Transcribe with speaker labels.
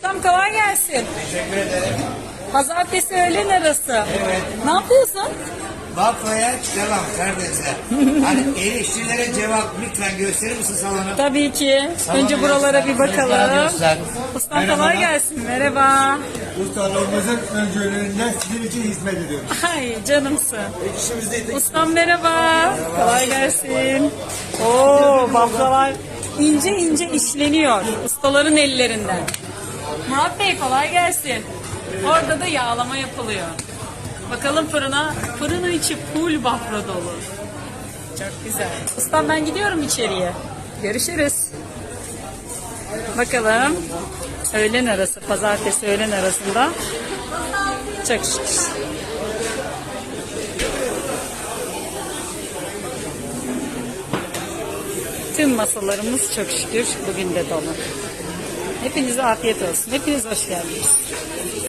Speaker 1: Ustam kolay gelsin.
Speaker 2: Teşekkür ederim.
Speaker 1: Pazartesi öğlen arası.
Speaker 2: Evet.
Speaker 1: Ne yapıyorsun?
Speaker 2: Bafra'ya devam kardeşler. Hani eleştirilere cevap lütfen gösterir misin salonu?
Speaker 1: Tabii ki.
Speaker 2: Salonu
Speaker 1: Önce buralara bir
Speaker 2: göster.
Speaker 1: bakalım.
Speaker 2: Göster.
Speaker 1: Ustam
Speaker 2: Merhaba.
Speaker 1: kolay gelsin. Merhaba.
Speaker 3: Ustalarımızın öncülüğünde sizin için hizmet ediyoruz.
Speaker 1: Ay canımsın.
Speaker 3: İşimizde
Speaker 1: Ustam merhaba. Kolay gelsin. Oo baklavar ince ince işleniyor. Ustaların ellerinden. Murat Bey kolay gelsin. Orada da yağlama yapılıyor. Bakalım fırına. Fırının içi full bafra dolu. Çok güzel. Ustam ben gidiyorum içeriye. Görüşürüz. Bakalım. Öğlen arası, pazartesi öğlen arasında. Çok şükür. Tüm masalarımız çok şükür bugün de dolu. Hepinize afiyet olsun. Hepiniz hoş geldiniz.